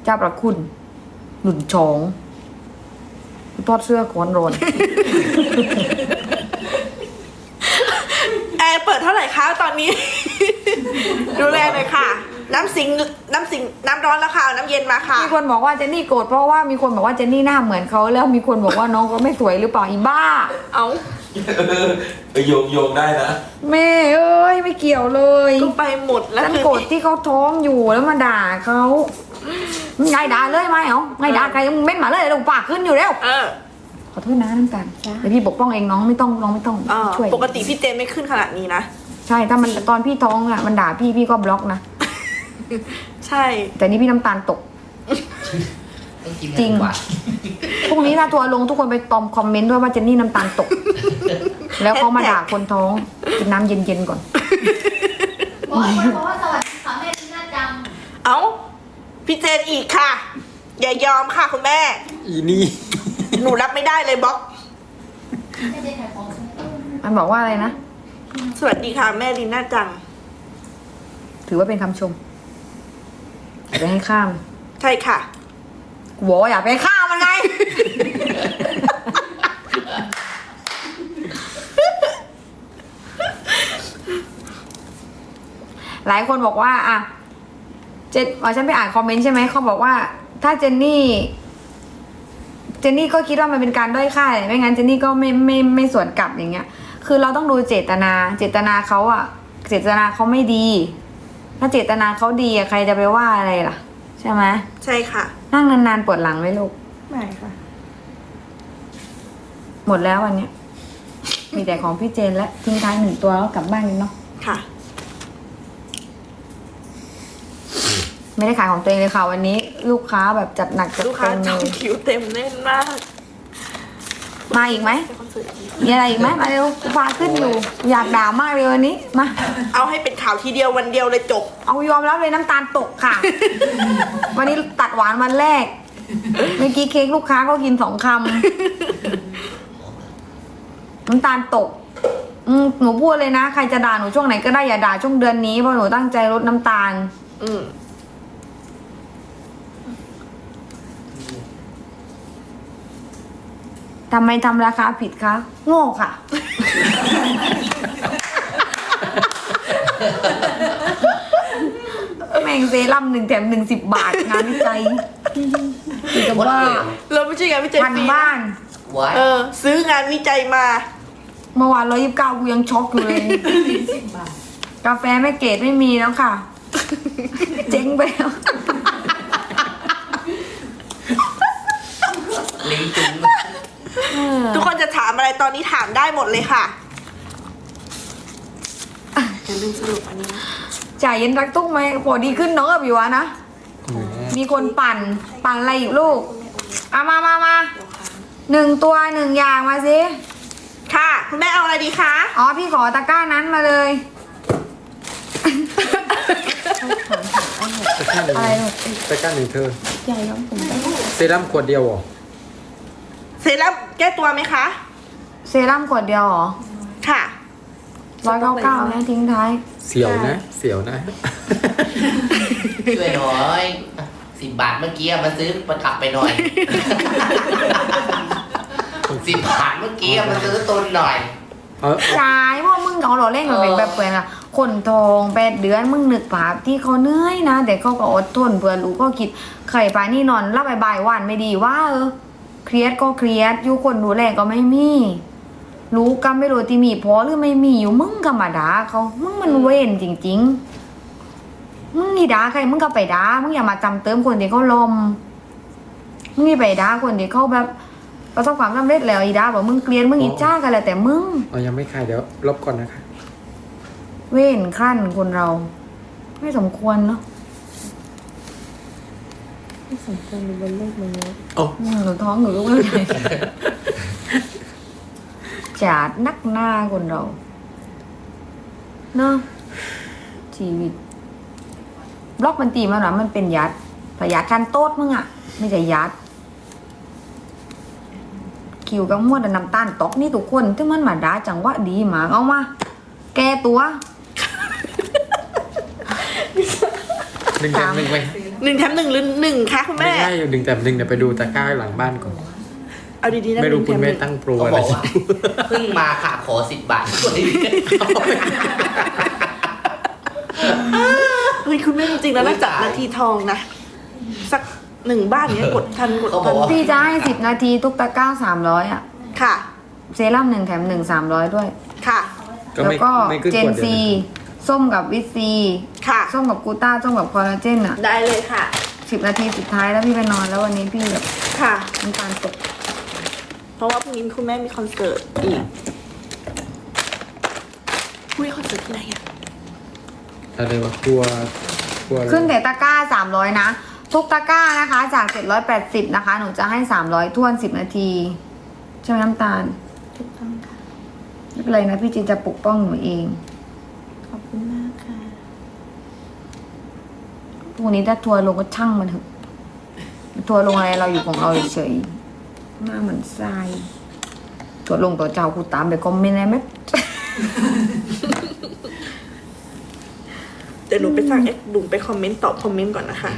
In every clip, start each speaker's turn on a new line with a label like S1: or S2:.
S1: เจ้าประคุณหนุนชองทอดเสื้อก้อนร้อน
S2: แอร์เปิดเท่าไหร่คะตอนนี้ ดูแลหน่อยค่ะ น้ำร้อนแล้วค่ะเอาน้ำเย็นมาค่ะ
S1: มีคนบอกว่าเจนนี่โกรธเพราะว่ามีคนบอกว่าเจนนี่หน้าเหมือนเขาแล้วมีคนบอกว่าน้องเขาไม่สวยหรือเปล่าอีบ้า
S2: เอา
S3: โยงได้นะ
S1: แม่เอ้ยไม่เกี่ยวเลย
S2: ก็ไปหมดแล้ว
S1: ฉันโกรธที่เขาท้องอยู่แล้วมาด่าเขาไงด่าเลยไหมเอาไงด่าใครมึงเม้นมาเลยลงปากขึ้นอยู่แล้ว ขอโทษนะน้ำตาลเดี๋ยวพี่ปกป้องเองน้องไม่ต้องช่วย
S2: ปกติพี่เจนไม่ขึ้นขนาดนี้นะ
S1: ใช่ถ้ามันตอนพี่ท้องอ่ะมันด่าพี่ก็บล็อกนะ
S2: ใช่
S1: แต่นี่พี่น้ำตาลตก
S4: ต้องกิน
S1: จริง
S4: กว่า
S1: พรุ่งนี้ถ้าทัวร์ลงทุกคนไปตอมคอมเมนต์ด้วยว่าเจนนี่น้ำตาลตก แล้วเขามาด่าคนท้องกินน้ำเย็นๆก่อน
S5: บอกว่าสวัสดีค่ะแม่ที่น่าจัง
S2: เอาพี่เจนอีกค่ะ อย่ายอมค่ะคุณแม่
S3: อีนี่
S2: หนูรับไม่ได้เลยบล็อก
S5: ไม่ได้ขายของใช่ไหม
S1: มันบอกว่าอะไรนะ
S2: สวัสดีค่ะแม่ลีน่าจัง
S1: ถือว่าเป็นคำชมอย่าไปให้ข้าม
S2: ใช่ค่ะ
S1: กูบอกว่าอย่าไปให้ข้ามมันไง หลายคนบอกว่าอ่ะฉันไปอ่านคอมเมนต์ใช่ไหมเขาบอกว่า ถ้าเจนนี่ก็คิดว่ามันเป็นการด้อยค่าเลยไม่งั้นเจนนี่ก็ไม่สวนกลับอย่างเงี้ย คือเราต้องดูเจตนาเขาอะเจตนาเขาไม่ดี ถ้าเจตนาเขาดีอะใครจะไปว่าอะไรล่ะ ใช่ไหม
S2: ใช่ค่ะ
S1: นั่งนานๆปวดหลังไหมลูก
S2: ไม่ค่ะ
S1: หมดแล้ววันเนี้ย มีแต่ของพี่เจนและทิ้งท้ายหนึ่งตัวแล้วกลับบ้านกันเนาะ
S2: ค่ะ
S1: ไม่ได้ขายของตัวเองเลยค่ะวันนี้ ลูกค้าแบบจัดหนักจัด
S2: ลูกค้า
S1: เต็ม
S2: จ
S1: เล
S2: อง
S1: ย
S2: คิวเต็มแน่นมาก
S1: มาอีกไหม
S2: ไปคอนเสิร์ตอีก
S1: มีอะไรอีกไหมมาเร็วกูพาขึ้นอยู่ อยากด่ามากเลยวันนี้มา
S2: เอาให้เป็นข่าวทีเดียววันเดียวเลยจบ
S1: เอายอมรับเลยน้ำตาลตกค่ะ วันนี้ตัดหวานวันแรก เมื่อกี้เค้กลูกค้าก็กิน2 คำน้ำตาลตก หนูพูดเลยนะ ใครจะด่าหนูช่วงไหนก็ได้อย่าด่าช่วงเดือนนี้เพราะหนูตั้งใจลดน้ำตาล
S2: อืม
S1: ทำไมทำราคาผิดคะ โง่ค่ะ แม่งเซรั่ม1 แถม 1 10 บาท งานวิจัยคือจะว่า
S2: เราไม่ใช่งานวิจัย
S1: พัน
S2: ฟรี
S1: บ้าน
S4: ไว้
S2: ซื้องานวิจัยมา
S1: เมื่อวาน129กูยังช็อกอยู่เลย กาแฟแม่เกดไม่มีแล้วค่ะ เจ๊งไปแล้ว
S4: ลิงจุง
S2: ทุกคนจะถามอะไรตอนนี้ถามได้หมดเลยค่ะอย่าลืมสรุปอันนี้นะ
S1: จ่ายเย็นรักตุ้งไหมพอดีขึ้นน้องกับอยู่วะนะ มีคนปั่นอะไรอีกลูกเอามา1 ตัว 1 อย่างมาสิ
S2: ค่ะ คุณแม่เอาอะไรดีคะ
S1: อ๋อพี่ขอตะกร้านั้นมาเลย
S3: ตะกร้าหนึ่ง
S1: อะไรลูก
S3: ตะกร้าหนึ่งเธอ
S1: ใหญ่ครับผม
S3: เซรั่มขวดเดียวเหรอ
S2: เซรั่มแก้ตัวไหมคะ
S1: เซรั่มขวดเดียวเหรอ
S2: ค่ะ
S1: 199นะทิ้งท้าย
S3: เสียวนะ เสียวนะ
S4: ช่วยหน่อย10 บาทเมื่อกี้มาซื้อประกลับไปหน่อย 10 บาทเมื่อกี้มาซื้อตุนหน่อย
S1: จ่ายพวกมึงเขาหล่อเล่นกับเป็นแบบเปลือนอะคนทอง8 เดือนมึงนึกภาพที่เขาเหนื่อยนะแต่เขาก็อดทนเพื่อลูกก็คิดไข่ปลานี่นอนรับบ่ายๆวันไม่ดีว่าเครียดก็เครียดอยู่คนดูแลก็ไม่มีรู้ก็ไม่รู้ที่มีพอหรือไม่มีอยู่มึงก็มาด่าเขามึงมันเว้นจริงๆมึงนี่ด่าใครมึงก็ไปด่ามึงอย่ามาจำเติมคนที่เขาลมมึงนี่ไปด่าคนที่เขาแบบประสบความสำเร็จแล้วอีด่าบอกมึงเกลียดมึงอิจฉากันแหละแต่มึง
S3: เอายังไม่ขายเดี๋ยวลบก่อนนะคะ
S1: เว้นขั้นคนเรา ไม่สมควรเนาะ
S5: ไม่สมควรอยู่บนโลกมนุษย์
S3: โอ้
S1: หนูท้องหนูลูกไม่ได้จาดนักหน้าคนเราเนาะชีวิตบล็อกมันตีมาหรอมันเป็นยัดพยาคันโต๊ดมึงอะไม่ใช่ยัดคิวกับมวดน้ำตาลตกนี่ทุกคนที่มันมาด่าจังหวะดีหมากเอามาแก้ตัว
S3: 1 แถม 1ไป
S2: 1 แถม 1 หรือ 1คะคุณ
S3: ไม่
S2: แม่
S3: ใช่อยู่1 แต่ 1เดี๋ยวไปดูตะกร้าหลังบ้านก่อน
S2: เอาดีๆนะ
S3: ไม่รู้
S2: 1
S3: คุณ
S2: แถ
S3: แม่
S2: 1
S3: ตั้งโปร
S4: เขา
S3: อะไร
S4: บอกว่าเพิ่งมาค่ะขอ10 บาทด้วย
S2: เฮ้ยคุณแม่จริงๆแล้วน่าจับนาทีทองนะ สัก1 บ้านเนี้ยกดทันกด
S4: เขาบ
S2: ทั
S4: อก
S2: น
S4: ว่า
S1: พี่จะให้10 นาทีทุกตะกร้า300อ่ะ
S2: ค่ะ
S1: เซรั่ม1 แถม 1 300 ด้วย
S2: ค่ะ
S3: ก็
S1: แล้ว
S3: ไม่
S1: ก็
S3: ไม่ขึ้น
S1: เจ
S3: ข
S1: น
S3: วดเดียว
S1: ซี
S3: นะ
S1: ส้มกับวิตซี
S2: ค่ะ
S1: ส้มกับกูต้าส้มกับคอลลาเจนอ่ะ
S2: ได้เลยค่ะ
S1: 10 นาทีสุดท้ายแล้วพี่ไปนอนแล้ววันนี้พี่แบบ
S2: ค่ะ
S1: น้ำตาลตก
S2: เพราะว่าพรุ่งนี้คุณแม่มีคอนเสิร์ตอีกคุยคอนเสิร์ตที่ไหนอะ
S3: อะไรวะกลัวอะไร
S1: ขึ้นแต่ตะกร้า300นะทุกตะกร้านะคะจาก780นะคะหนูจะให้300ท้วน10 นาทีใช่ไหมน้ำตาล
S2: ถูกต้องค่ะ
S1: ไม่เป็นไรนะพี่จินจะปกป้องหนูเอง
S2: ขอบคุณมากค่ะ
S1: พวกนี้ถ้าทัวร์ลงก็ช่างมันเถอะทัวร์ลงอะไรเราอยู่ของเราเฉยๆหน้าเหมือนทรายทัวร์ลงตัวเจ้ากูตามไปคอมเมนต์อะไรไหม
S2: เดี๋ยวหนูไปสั่งหนูไปคอมเมนต์ตอบคอมเมนต์ก่อนนะคะ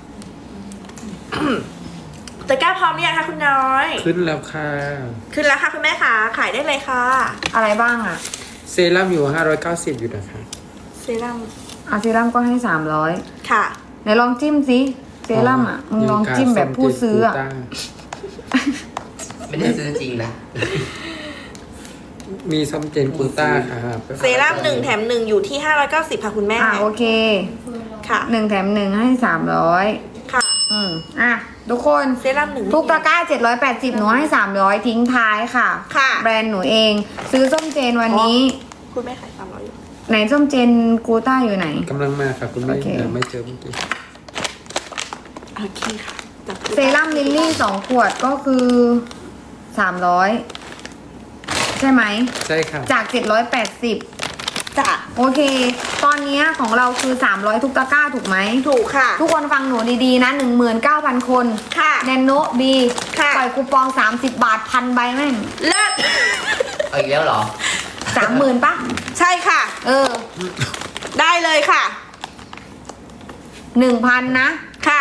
S2: แต่กล้าพร้อมหรือยังคะคุณน้อย
S3: ขึ้นแล้วค่ะ
S2: ขึ้นแล้วค่ะคุณแม่ค่ะ ขายได้เลยค่ะ
S1: อะไรบ้างอ่ะ
S3: เซรั่มอยู่590อยู่นะคะ
S2: เซรั่ม
S1: อาเซรั่มก็ให้300
S2: ค่ะ
S1: ไหนลองจิ้มสิเซรั่มอ่ะมึงลองจิ้มแบบผู้ซื้ออ่ะ
S4: ไม่ได้ซื้อจริงนะ
S3: มีซัมเจนกูต้าค่ะ
S2: เซรั่ม1 แถม 1 อยู่ที่590ค่ะคุณแม่
S1: โอเค
S2: ค่ะ
S1: 1 แถม 1 ให้300
S2: ค่ะ
S1: อ่ะทุกคน
S2: เซรั่ม1
S1: ทุกตะกร้า780หนูให้300ทิ้งท้ายค่ะ
S2: ค่ะ
S1: แบรนด์หนูเอง ซื้อส้มเจนวันนี้
S2: คุณแม่ขาย300อยู่
S1: ไหนส้มเจนกูต้าอยู่ไหน
S3: กำลังมาค่ะคุณแม่
S1: โอเค
S3: ไม่เจอเมื่อกี้
S2: โอเคค่ะจับ
S1: เซรั่มลิลลี่2 ขวดก็คือ300ใช่ไหม
S3: ใช่ค่ะ
S1: จาก780
S2: จ้ะ
S1: โอเค ตอนนี้ของเราคือ300ทุกตะกร้าถูกไหม
S2: ถูกค่ะ
S1: ทุกคนฟังหนูดีๆนะ 19,000 คน
S2: ค่ะ
S1: แนนโนบี
S2: ค่ะ
S1: ปล่อยคูปอง30 บาทพันใบแม่ง
S2: เลิศ
S4: เอาอีกแล้วเหรอ
S1: 30,000ปะ
S2: ใช่ค่ะ
S1: เออ
S2: ได้เลยค่ะ
S1: 1,000 นะ
S2: ค่ะ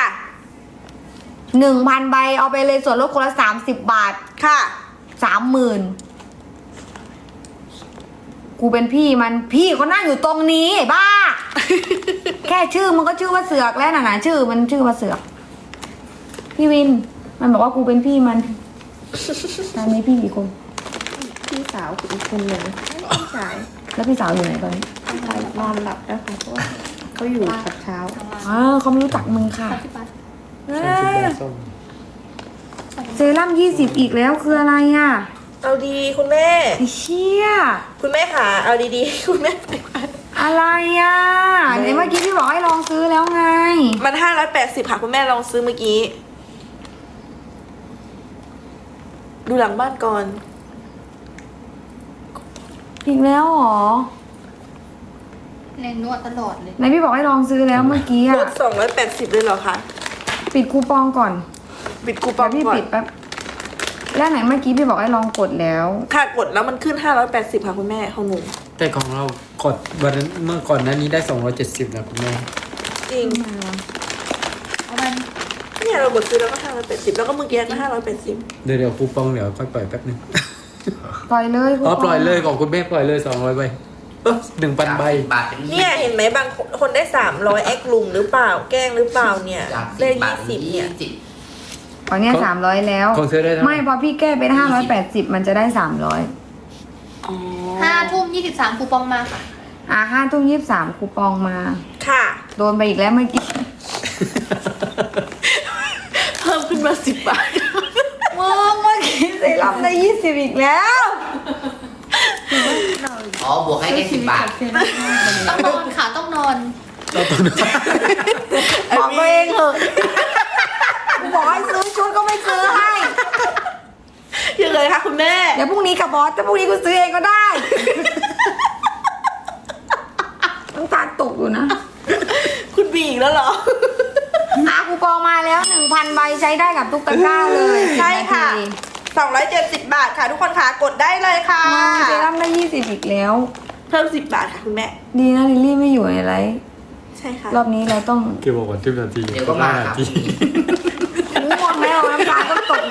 S1: 1,000 ใบเอาไปเลยส่วนลดคนละ30 บาท
S2: ค่ะ
S1: 30,000 กูเป็นพี่มันพี่เขานั่งอยู่ตรงนี้ไอ้บ้า แค่ชื่อมันก็ชื่อว่าเสือกแล้วนะชื่อมันชื่อว่าเสือก พี่วิน มันบอกว่ากูเป็นพี่มันตอนนี้พี่กี่คน
S2: พี่สาวอีกคนหนึ่งพี่ชาย
S1: แล้วพี่สาวอยู่ไหนตอนนี้
S2: นอนหลับแล้วค่ะเพราะว่าเขาอยู่กับเช้า
S1: เขาไม่รู้จักมึงค่ะ
S3: 30 บาทส้ม
S1: เซรั่ม20อีกแล้วคืออะไรอ่ะ
S2: เอาดีคุณแม่
S1: ไอ้เชี่ย
S2: คุณแม่ค่ะ เอาดีๆ คุณแม่ไปก่อน
S1: อะไรอ่ะไหนเมื่อกี้พี่บอกให้ลองซื้อแล้วไง
S2: มัน580ค่ะ คุณแม่ลองซื้อเมื่อกี้ ดูหลังบ้านก่อน
S1: อีกแล้วเหรอ
S5: แรงนวดตลอดเลย
S1: ไหนพี่บอกให้ลองซื้อแล้วเมื่อกี้
S2: ล
S1: อ่ะ
S2: ด280เลยเหรอคะ
S1: ปิดคูปองก่อน
S2: ปิดคูปอง
S1: เดี๋ยวพี่
S2: ก่อน
S1: ปิดแป๊บแล้วไหนเมื่อกี้พี่บอกให้ลองกดแล้ว
S2: ค่ะกดแล้วมันขึ้น580ค่ะคุณแม่ของหนู
S3: แต่ของเรากดวันนั้นเมื่อก่อนหนั้นนี้ได้270นะคุณแม่
S2: จริง
S5: เอามัน
S2: เนี่ยเรากดซื้อแล้วก็580แล้วก็เมื่อกี้ก็580
S3: เดี๋ยวคูปองเดี๋ยวค่อยปล่อยแป๊บนึง
S1: ปล่อยเลยคู
S3: อ๋อ
S1: ปอง
S3: ปล่อยเลยของคุณแม่ปล่อยเลย200ใบ1,000 ใบ
S4: บาทเป็น
S2: เนี่ยเห็นไหมบางคนได้300แอคลุมหรือเปล่า แกล้งหรือเปล่าเนี่ย
S4: จาก
S2: ได้
S4: 10 บาทเป็น
S2: 20เนี่ย
S1: ตอนเนี้ย300แล้ว
S3: ของเธอได้เท่าไหร่
S1: ไม่พอพี่แก้เป็น580มันจะได้300
S2: อ๋อ
S5: 5:23คูปองมาค่ะ
S1: 5:23คูปองมา
S2: ค่ะ
S1: โดนไปอีกแล้วเมื่อกี้
S2: เพิ่มขึ้นมา10 บาท
S1: เมื่อกี้เซรั่มได้20อีกแล้ว
S4: อ๋อบวกให้แค่10 บาท
S5: ต้องนอนค่ะต้องนอน
S1: บอกตัวเองเถอะบอกให้ซื้อชุดก็ไม่ซื้อให้
S2: ยังไงคะคุณแม่
S1: เดี๋ยวพรุ่งนี้กับบอสแต่พรุ่งนี้กูซื้อเองก็ได้ต้องตาตกอยู่นะ
S2: คุณบีอีกแล้วเหรอ
S1: คูปองมาแล้ว 1,000 ใบใช้ได้กับทุกตะกร้าเลย
S2: ใช่ค่ะ
S1: 10 นาที
S2: 270 บาทค่ะ ทุกคนค่ะกดได้เลยค่ะ
S1: มาเซรั่มได้20อีกแล้ว
S2: เพิ่ม10 บาทค่ะคุณแม่
S1: ดีนะลิลลี่ไม่อยู่ในไลฟ์
S2: ใช่ค่ะ
S1: รอบนี้เราต้อง
S3: เกี่ยวกับวันที่นาที
S4: เดี๋ยวก็มาครับ
S3: 5 นาที
S1: ง่วงแล้วน้ำตาก็ตก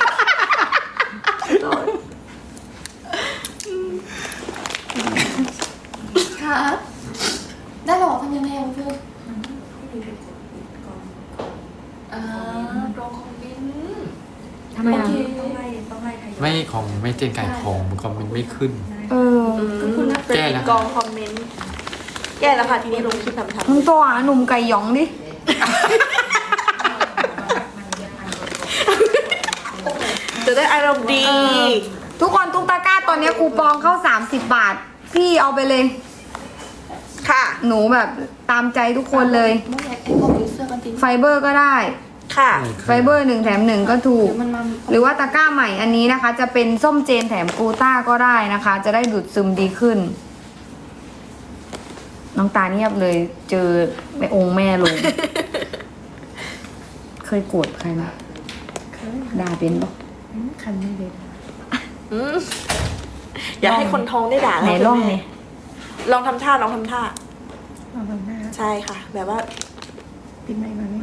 S5: ครับได้หรอทำยังไงอ่ะพี่ตรงคอมเมนต์
S1: ทำไมอ่ะ
S3: ไม่ของไม่เจนไก่ของมันคอมเมนต์ไม่ขึ้น
S1: เออ
S3: แก้แล้ว
S2: กองคอมเมนต์แก้แล้วค่ะทีนี้ลงคลิปทำ
S1: มึงตัวหาหนุ่มไก่หยองดิ
S2: จะได้อารมณ์ดี
S1: ทุกคนทุกตะกร้าตอนนี้คูปองเข้า30 บาท พี่เอาไปเลย
S2: ค่ะ
S1: หนูแบบตามใจทุกคนเลย
S5: ไม่อยากไอ้พวกยูเซอร์กันจริง
S1: ไฟเบอร์ก็ได้
S2: ค่ะ
S1: ไฟเบอร์1 แถม 1 ก็ถูก
S5: เดี๋ยวมันมา
S1: หรือว่าตะกร้าใหม่อันนี้นะคะ จะเป็นส้มเจนแถมกลูต้าก็ได้นะคะ จะได้ดูดซึมดีขึ้น น้องตาเงียบเลย เจอแม่องค์แม่ลง เคยโกรธใครไหมด่าเป็นปะ
S5: คันไม่เด็ด
S2: อยากให้คนท้องได้ด่า
S1: ไหน
S2: เรา
S1: ร่อง
S2: คุณ
S1: เนี่
S2: แม่
S1: ย
S2: ลองทำท่าลองทำท่า
S5: เอาแบบหน้า
S2: ใช่ค่ะ แบบว่า
S5: ปิดไมค์มาไหม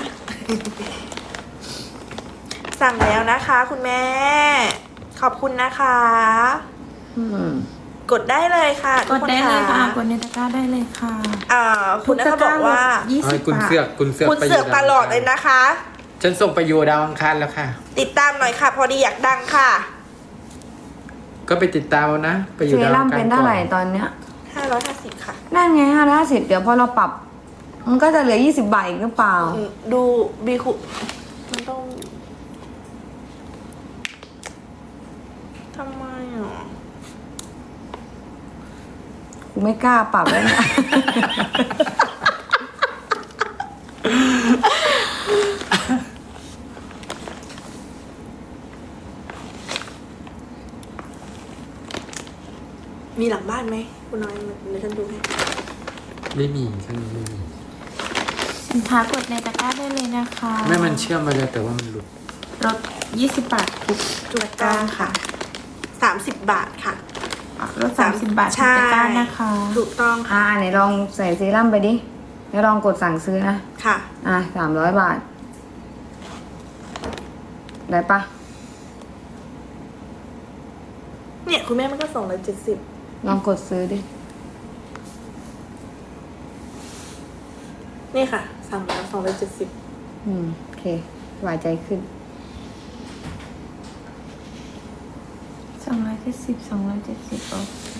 S2: สั่งแล้วนะคะ คุณแม่ ขอบคุณนะคะ
S1: อืม
S2: กดได้เลยค่ะ
S5: กดได้เลยค่ะ ก
S2: ทุ
S5: ดในตะกร้าได้เลยค่ะ
S2: คุณนะคะบอกว่า
S5: 20
S3: ให้คุณ
S5: บาท
S3: เสือกคุณเสือก
S2: คุณ
S3: ไป
S2: เสือกตลอดเลยนะคะ
S3: ฉันส่งไปโยดาวอังคารแล้วค่ะ
S2: ติดตามหน่อยค่ะ พอดีอยากดังค่ะ
S3: ก็ไปติดตามเอานะ ไปอยู่
S1: เซ
S3: ดาว
S1: รั่
S3: อั
S1: ม
S3: งคาร
S1: เป็น
S3: ก่
S1: เท่า
S3: อ
S1: ไหร่
S3: น
S1: ตอนเนี้ย
S2: 550 ค่ะ
S1: นั่นไง550เดี๋ยวพอเราปรับ มันก็จะเหลือ20 บาทอีกหรือเปล่า
S2: ดูบีคุมันต้องทำไมอ่ะ
S1: กูไม่กล้าปรับแล้วเนี่ย
S2: มีหลังบ้านไหมคุณน้อยเดี๋ยวฉันดูให้
S3: ไม่มีฉันไม่มี
S5: สินค้ากดในตะกร้าได้เลยนะคะ
S3: แม่มันเชื่อมมาเลยแต่ว่ามันหลุด
S5: ลด20 บาททุกตะกร้าค่ะ
S2: 30 บาทค่ะ
S5: ลด30 บาททุกตะกร้านะคะ
S2: ถูกต้องค่ะ
S1: ไหนลองใส่เซรั่มไปดิ แล้วลองกดสั่งซื้อนะ
S2: ค่ะ
S1: 300 บาท ได้ปะ
S2: เนี่ยคุณแม่มันก็270
S1: ลองกดซื้อดิ
S2: นี่ค่ะ สั่งแล้ว270
S1: โอเคสบายใจขึ้น
S5: 270โอ้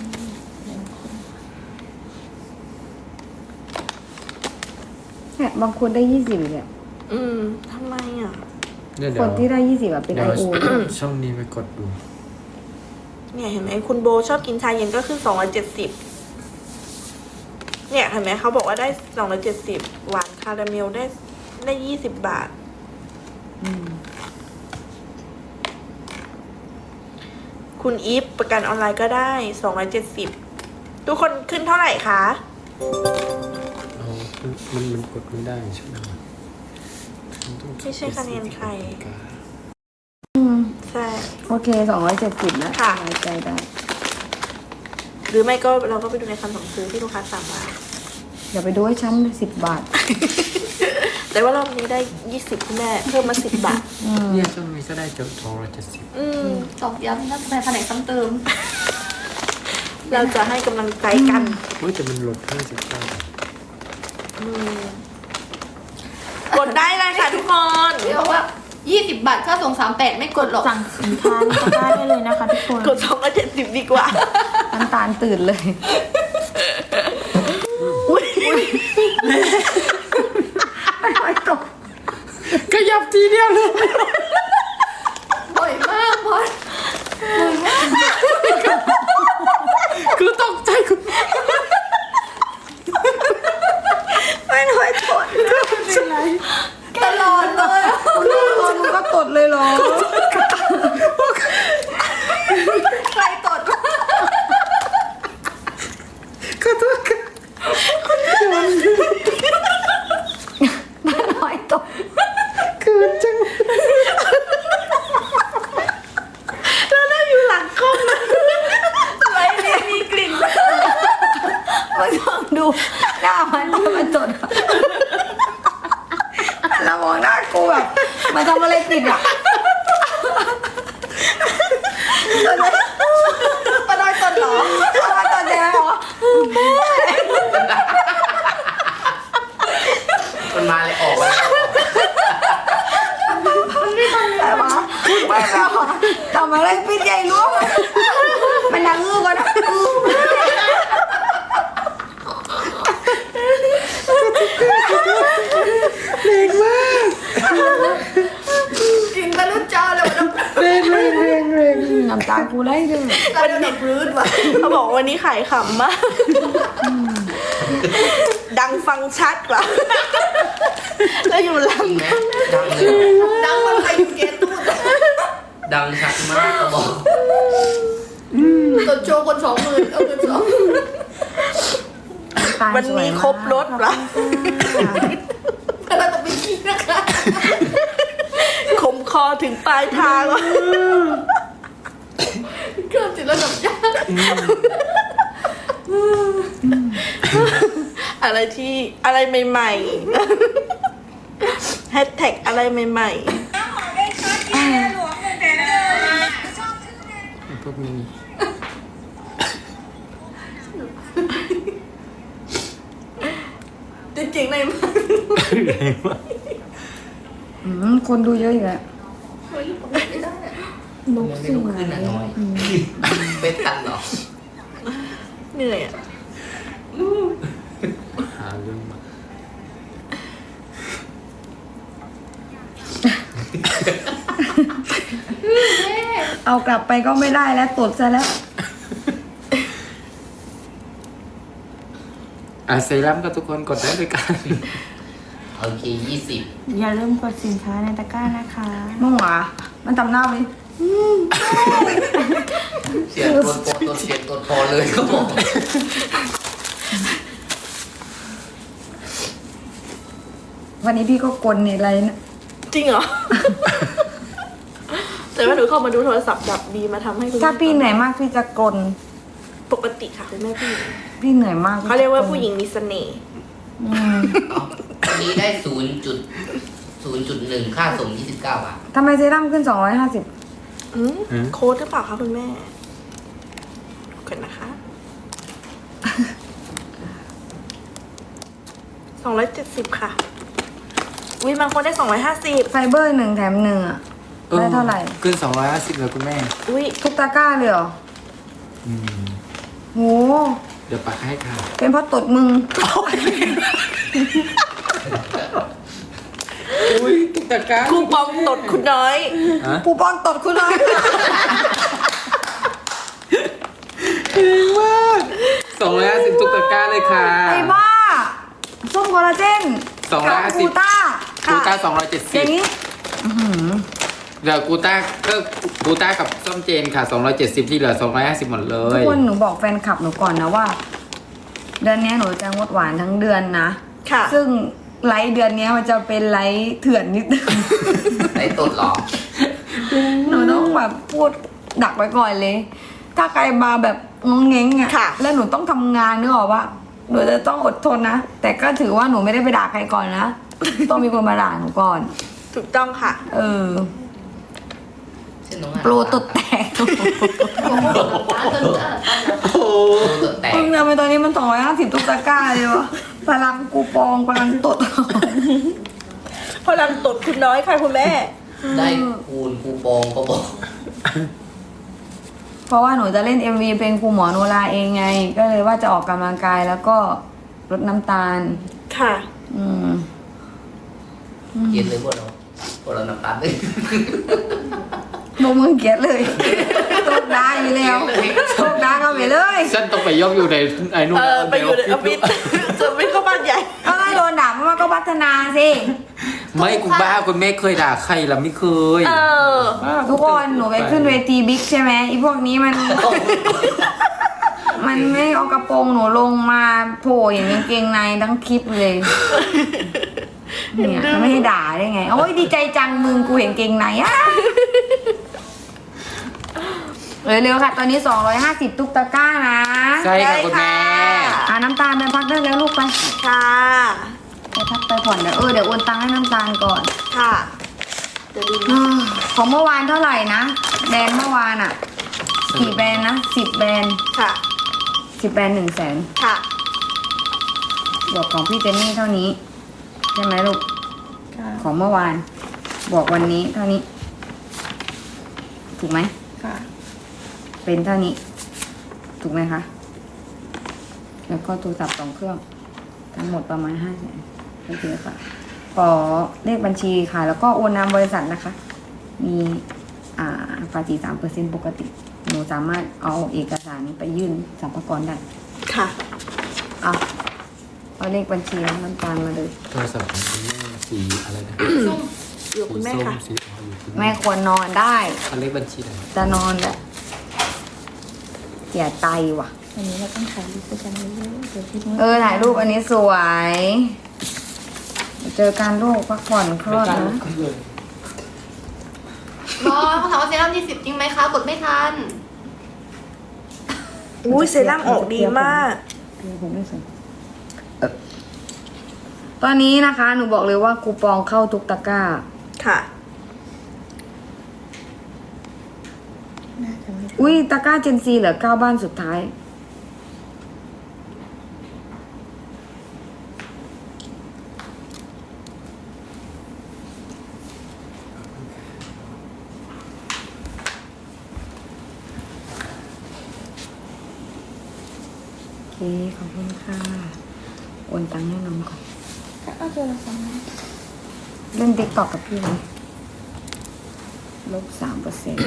S1: เนี่ยบางคนได้20เนี่ย
S2: ทำไมอ่ะ
S3: เนี่ยเดี๋
S1: ค
S3: ยวน
S1: ที่ได้20อะเป็น
S3: เดี๋ยว
S1: IO
S3: ช่องนี้ไปกดดู
S2: เนี่ยเห็นไหมคุณโบชอบกินชาเย็นก็ขึ้น270เนี่ยเห็นไหมเขาบอกว่าได้270หวานคาราเมลได้20 บาท คุณอีฟประกันออนไลน์ก็ได้270ทุกคนขึ้นเท่าไหร่คะ
S3: เอามันกดไม่ได้ใช่ไหม
S2: ไม่ใช่คะแนนใคร ใช่
S1: โอเค270นะ
S2: ค่ะ
S1: สบายใจได้
S2: หรือไม่ก็เราก็ไปดูในคำสั่งซื้อที่ลูกค้าสั่งมา
S1: อย่าไปดูให้ฉัน10 บาท
S2: แต่ว่ารอบนี้ได้20คุณแม่เพิ่มมา10 บาท
S3: เนี่ยช่องนี้ก็ได้เกือบ270
S5: ตอกย้ำนะแผนกซ้ำเติม
S2: เราจะให้กำลังใจกัน
S3: เฮ้ยแต่มันลด59
S2: กดได้เลยค่ะทุกคน
S5: เดี๋ยวว่า20 บาทค่าส่ง38ไม่กดหรอก สั่งสินค้าในตะกร้าได้เลยนะคะทุกคน
S2: กด270ดีกว่า
S1: น้ำตาลตื่นเลย ไม่ตก
S3: ขยับทีเดียวเลย
S5: บ่อยมากบอส
S3: คือตกใจคุณ
S2: ไม่น้อยกด
S5: ตลอดเลยอะ
S1: มึงก็ตดเลยเหรอ
S5: ใครตด
S3: ขอโทษค่ะ
S1: น้อยตก
S3: คืนจัง
S2: เราได้อยู่หลังกล้องนะไรเนี่ยมีกลิ่น
S1: มาลองดูหน้ามันจะมาตดกูแบบมาทำอะไรผิดอ่ะ
S2: ปะน้อยตนเหรอ
S1: มาตอนเด็กบอกว่า
S4: มันมาเลยออกมาแล้ว
S1: แต่ว่าทำอะไรผิดใหญ่รู้มันดังอื้อก่อนนะอื้อ
S5: กินไปรุ่นเจ้าเลยวันนั้น
S1: เร่งน้ำตากูไหลเลย
S5: เราเดินดับรื้นว่ะ
S2: เขาบอกวันนี้ขายขำมากดังฟังชัดกว่าแล้วอยู่หลั
S4: จ
S2: ง
S4: ริงไหมดังเลย
S5: ดังมันไปอยู่เกตูด
S4: ดังชัดมากเขาบอก
S5: ตดโชว์คน20,000เอาเงิน2
S2: วันนี้ครบรถเหรอ
S5: เราต้องไปกินนะคะ
S2: คมคอถึงปลายทางวะ
S5: เครื่องจิตระดับยาก
S2: อะไรที่อะไรใหม่ๆแฮชแท็กอะไรใหม่
S3: พวกนี้
S5: จริงๆในมัน
S1: คนดูเยอะอยู่แล้ว
S5: เฮ้ยผมไม่ได้อะ
S1: ลุก
S4: ไม่
S1: สิ
S4: ลุกขึ้นอ่ะน้อยไม่ทันหรอก
S2: ๆเหนื่อยอะ
S3: หาเรื่องมา
S1: เอากลับไปก็ไม่ได้แล้วตดซะแล้ว
S3: เซรั่มกับทุกคนกดได้ด้วยกัน
S4: โอเค20
S1: อย่าลืมกดสินค้าในตะกร้านะคะน้องหวามันทำหน้าไหม
S4: เสียงตัวโปรตัวเสียงตัวพอเลยเขาบอก
S1: วันนี้พี่ก็กลในไรนะ
S2: จริงเหรอ แต่ว่าหนูเข้ามาดูโทรศัพท์ดับดีมาทำให้คุณ
S1: ถ้าพี่เหนื่อยมากพี่จะกล
S2: ปกติค่ะคุณแม่พี่
S1: พี่เหนื่อยมาก
S2: เขาเรียกว่าผู้หญิงมีเสน่ห์
S1: อืม
S4: วันนี้ได้0.1ค่าส่ง29 บาท
S1: ทำไมเซรั่มขึ้น 250
S2: โค้ดหรือเปล่าคะคุณแม่ก่อนนะคะ270ค่ะวิบางคนได้250
S1: ไฟเบอร์1 แถม 1อ่ะได้เท่าไหร่
S3: ขึ้น250เลยคุณแม่
S2: อุ้ย
S1: ทุกตะกร้าเลยเหรอ
S3: อืม
S1: โห
S3: เดี๋ยวปักให้ค่ะ
S1: เป็นเพราะตดมึง
S3: อุ้ยตุ๊กตาก้า
S2: คูปองตดคุณน้อย
S1: ปูปองตดคุณน้อย
S3: 250ตุ๊กตาก้าเลยค่ะ
S1: ไอ้บ้าส้มคอลลาเจน
S3: 250
S1: กูต้า
S3: กูต้า
S1: อย่างนี้
S3: 270เดี๋ยวกูต้าก็กูต้ากับส้มเจนค่ะ270ที่เหลือ250หมดเล
S1: ทุก
S3: ย
S1: คนหนูบอกแฟนคลับหนูก่อนนะว่า เดือนนี้หนูจะงดหวานทั้งเดือนนะ
S2: ค่ะ
S1: ซึ่งไลฟ์เดือนนี้มันจะเป็นไลฟ์เถื่อนนิดนึง
S4: ได้ตดหรอ
S1: หนูต้องแบบพูดดักไว้ก่อนเลย ถ้าใครมาแบบงงเง้งอ่ะ
S2: ค่ะ
S1: แล้วหนูต้องทำงานนึกออกว่าหนูจะต้องอดทนนะ แต่ก็ถือว่าหนูไม่ได้ไปด่าใครก่อนนะ ต้องมีคนมาด่าหนูก่อน
S2: ถูกต้องค่ะ
S1: เออ
S4: เช่นน้องอ่ะ
S1: โปรตดแตก
S3: โอ้
S4: โปรตดแตก
S1: มึงทำไมตอนนี้มัน250ตุ๊กตาก้าเลยวะพลังกูปองพลังตด
S2: พลังตดคุณน้อยค่ะคุณแม่
S4: ได้คูณคูปองเขาบอก
S1: เพราะว่าหนูจะเล่น MV เป็นครูหมอโนราเองไง ก็เลยว่าจะออกกำลังกายแล้วก็ลดน้ำตาล
S2: ค่ะ
S1: อืม
S4: เย็นเลยพวกเราน้ำตาลเลย
S1: โนมึงเกลียดเลยโชคดาอยู่แล้วโชคดาเข้าไปเลย
S3: ฉันต้องไปยกอยู่ในไอ้นู่น
S2: ไปอยู่ในออฟฟิศจะไม่เข้าบ้านใหญ่
S1: ก็ให้โดนด่าเพราะว่าก็พัฒนาสิ
S3: ไม่กูบ้าคุณแม่เคยด่าใครล่ะไม่เคย
S2: เออ
S3: บ้า
S1: ทุกคนหนูไปขึ้นเวทีบิ๊กใช่ไหมอีพวกนี้มัน มันไม่เอากระโปรงหนูลงมาโผล่อย่างกางเกงในทั้งคลิปเลย เนี่ยมันไม่ให้ด่าได้ไง โอ้ยดีใจจังมึงกูเห็นเกงในอ่ะเร็วๆค่ะ ตอนนี้250ตุ๊กตาก้านะ
S3: ใช่ค่ะคุณแม่
S1: น้ำตาลไปพักได้แล้วลูกไป
S2: ค่ะ
S1: ไปพักไปผ่อนเดี๋ยวเดี๋ยวโอนตังค์ให้น้ำตาลก่อน
S2: ค่ะเดี๋ยวดูนะ
S1: ของเมื่อวานเท่าไหร่นะแบรนด์เมื่อวานอ่ะกี่แบรนด์นะ10 แบรนด์
S2: ค่ะ
S1: 10 แบรนด์100,000
S2: ค่ะ
S1: บวกของพี่เจนนี่เท่านี้ใช่ไหมลูก
S5: ค่ะ
S1: ของเมื่อวานบวกวันนี้เท่านี้ ถูกไหม
S5: ค่ะ
S1: เป็นเท่านี้ ถูกไหมคะ แล้วก็โทรศัพท์2 เครื่อง ทั้งหมดประมาณ500,000โอเคค่ะ ขอเลขบัญชีค่ะ แล้วก็โอนนามบริษัทนะคะ มีภาษี3%ปกติ หนูสามารถเอาเอกสารนี้ไปยื่นสรรพากรได้
S2: ค่ะ
S1: เอาเลขบัญชีน้ำตาลมาเลย
S3: โทรศัพท์ของคุณแม่สีอะไรนะ
S5: ส้ม
S2: อยู่คุณแม่ค่ะ
S3: สีส้มสีอยู่คุณ
S1: แม่ควรนอนได้
S3: เอาเลขบัญชีหน่อย
S1: จะนอนแหละเสียใจว่ะ
S5: วันนี้เราต้องถ่ายรูปด้วยกันเยอะๆเดี๋ยวพี่นุ้ย
S1: ถ่ายรูปอันนี้สวย เจอการโรคพักผ่อนคลอดนะ
S5: รอเขาถามว่าเซรั่ม20จริงไหมคะ กดไม่ทัน
S2: อุ้ยเซรั่มออกดีมาก
S1: ผมไม่สนตอนนี้นะคะ หนูบอกเลยว่าคูปองเข้าทุกตะกร้า
S2: ค่ะ
S5: น่าจะไม่
S1: อุ้ยตะกร้าเจนซีเหลือ9 บ้านสุดท้าย โอเค ขอบคุณค่ะ โอนตังค์ให้น้องก่อน
S5: เอาเจอแล้วซ้ำนะ
S1: เล่นติ๊กต็อกกับพี่ไหม-3%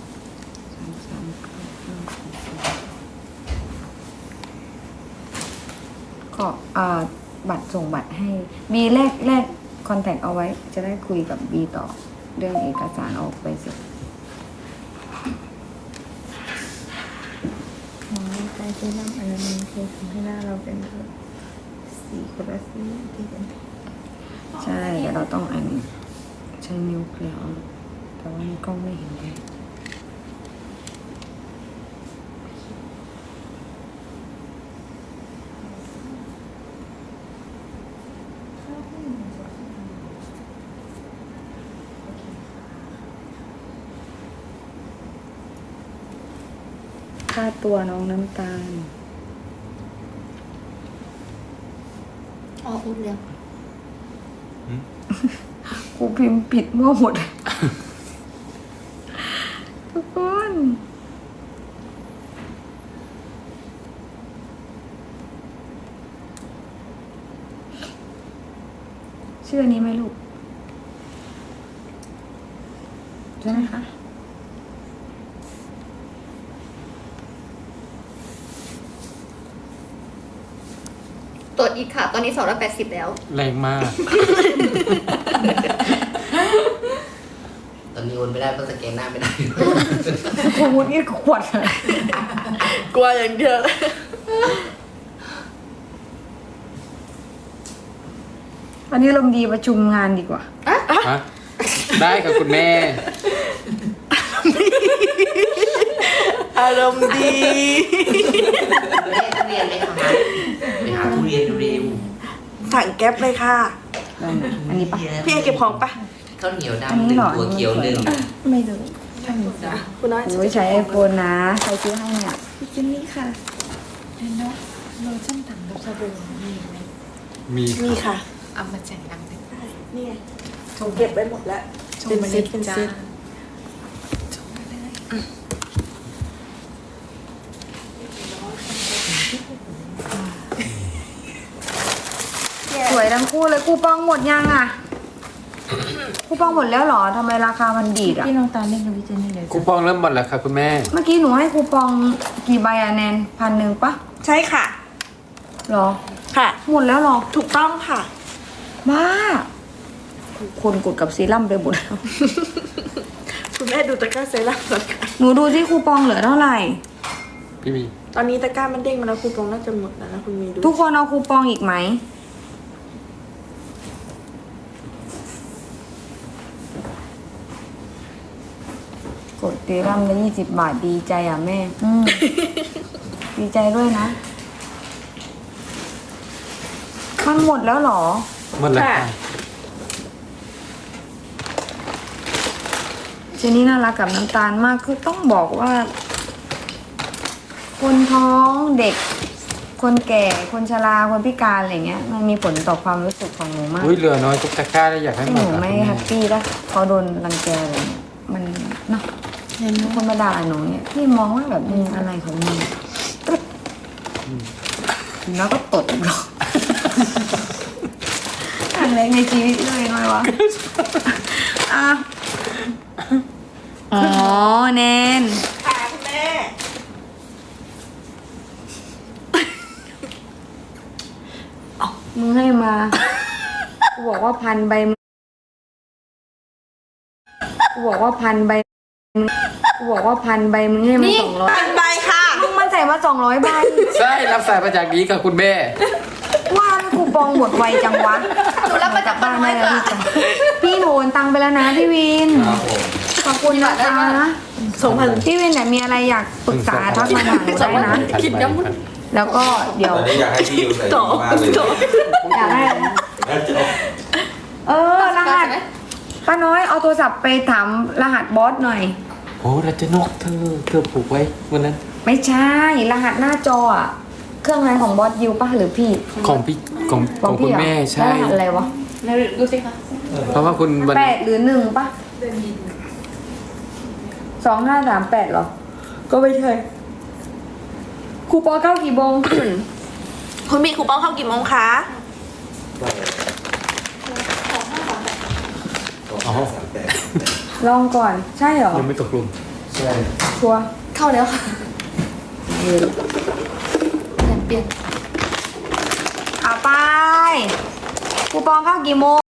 S1: ก็บัตรส่งบัตรให้บีแรกคอนแทคเอาไว้ จะได้คุยกับบีต่อ เรื่องเอกสารออกไปเสร็จ
S5: หมอใจเซรั่มอันนั้นมันคือทำให้หน้าเราเป็นแบบสีคนละสีที่เป็น
S1: ใช่เดี๋ยวเราต้องอันนี้ใช้นิ้วเคลียร์เอาแต่ว่าในกล้องไม่เห็นเลยค่าตัวน้องน้ำตาล
S5: อ๋ออุ้ดเรียง
S1: กูพิมพ์ผิดมั่วหมด ทุกคน ชื่ออันนี้ไหมลูก ใช่ไหมคะ
S5: ตรวจอีกค่ะ ตอนนี้280แล้ว
S3: แรงมาก
S4: ตอนนี้โอนไม่ได้เพราะสแกนหน้าไม่ได้
S1: ขวดนี่ขวดเลย
S2: กลัวอย่างเดียว
S1: วันนี้ลมณ์ดีประชุมงานดีกว่า
S3: ฮะ ได้ค่ะคุณแม่
S2: อารมณ์ดี
S4: ไม่ได้ทุเรียนไหมคะไปหาทุเรียนเร็ว
S2: สั่งแก๊ปเลยค่ะ
S1: ได้นะอันนี้ปะ
S2: พี่เอเก็บของปะ
S4: ข้าวเหนียว
S1: อัน
S4: ดำ
S1: นี้
S4: หนึ่
S1: เห
S4: ง
S1: รอ
S4: ตัวเขียวหนึ่ง
S5: ไม่รู้
S2: คุณน้อย
S1: โอ้ยใช้ไอโฟนนะ ใครซื้อให้เนี่ย
S5: พี่จินนี่ค่ะเห็นเนาะโลชั่นต่างกับสบู่มีไหม
S3: มี
S2: นี่ค่ะ
S5: เอามาแจกตังค์ได้
S2: นี่ไงเก็บไว้หมดแล้ว เป็นเซตเป็นเซต
S1: สวยทั้งคู่เลยคูปองหมดยังอ่ะ คูปองหมดแล้วเหรอทำไมราคามันดีดอ่ะ
S5: พี่น้องตาลเล่นกับพี่เจนนี่เลย
S3: คูปองเริ่มหมดแล้วค่ะคุณแม่
S1: เมื่อกี้หนูให้คูปองกี่ใบอะแนน1,000ปะ
S2: ใช่ค่ะ
S1: เหรอ
S2: ค่ะ
S1: หมดแล้วเหรอ
S2: ถูกต้องค่ะ
S1: บ้า คนกดกับซีรั่มไปหมดแล้ว
S2: คุณแม่ดูตะกร้าเซรั่มก่อนค่ะ
S1: หนูดูที่คูปองเหลือเท่าไหร่
S3: พี่มี
S2: ตอนนี้ตะกร้ามันเด้งมาแล้วคูปองน่าจะหมดแล้วนะคุณมีดู
S1: ทุกคนเอาคูปองอีกไหม กดซีรั่มละ20 บาทดีใจอ่ะแม่ ดีใจด้วยนะ มันหมดแล้วเหรอ
S2: ใ
S3: หมดแล้ว
S2: ค่ะ
S3: ค่ะ
S1: เจนนี่น่ารักกับน้ำตาลมากคือต้องบอกว่า คนท้องเด็ก คนแก่ คนชราคนพิการอะไรเงี้ย มันมีผลต่อความรู้สึกของหนูมาก
S3: อุ้ยเหลือน้อยทุกตะกร้าเลยอยากให้
S1: ที่
S3: หม
S1: ห
S3: ด
S1: นู
S3: อะ
S1: ไม่
S3: คุณ
S1: แฮ
S3: แม่
S1: ปปี้ถ้าเขาโดนรังแกอะไรเงี้ยมันเนาะคนมาด่าหนูเนี่ยพี่มองว่าแบบมึงอะไรของมึงปึ๊บแล้วก็ตดอีกหรอกครั้งแรกในชีวิตเลยน้อยวะอ่ะอ๋อแนน
S2: ค่ะคุณแม่
S1: มึงให้มากูบอกว่าพันใบมึงกูบอกว่าพันใบมึงกูบอกว่าพันใบมึงให้มัน200
S2: เป็นใบค่ะ
S1: มึงมันใส่มา200ใบ
S3: ใช่รับสายมาจากนี้ค่ะคุณแม่
S1: ว่าคูปองหมดไวจังวะ
S5: หนูรับมาจากบ้านไว้ก่อน
S1: พี่หนูโอนตังไปแล้วนะพี่วิน
S4: ครับผม
S1: ขอบคุณนะคะ
S2: 2,000
S1: พี่วินเนี่ยมีอะไรอยากปรึกษาทักมาหาหนูได้นะ
S3: คิดย้ำมัน
S1: แล้วก็เดี๋ยว
S6: ตอนนี้อยากให้พี่ยูใส่ดีมากเลย
S1: อยากให้
S6: แล้วจบ
S1: รหัสป้าน้อยเอาโทรศัพท์ไปถามรหัสบอสหน่อย
S3: โอ้รัชนกเธอผูกไว้วันนั้น
S1: ไม่ใช่รหัสหน้าจออะเครื่องอะไรของบอสยูป่ะหรือพี่
S3: ของพี่ของคุณ
S1: เหรอ
S3: แม่ใช่
S1: แล้วรหัสอะไรวะ
S5: ดูสิคะ
S3: เพราะว่าคุณวัน
S1: 8 หรือ 1ป่ะ2538เหรอ ก็ไม่ใช่คูปองเข้ากี่โมง
S2: คุณมีคูปองเข้ากี่โมงคะ
S3: อ๋อ
S1: ลองก่อน ใช่เหรอ
S3: ยังไม่ตกลง
S6: ใช่
S1: ชัวร์
S5: เข้าแล้วค่ะเปลี่ยน
S1: เอาไปคูปองเข้ากี่โมง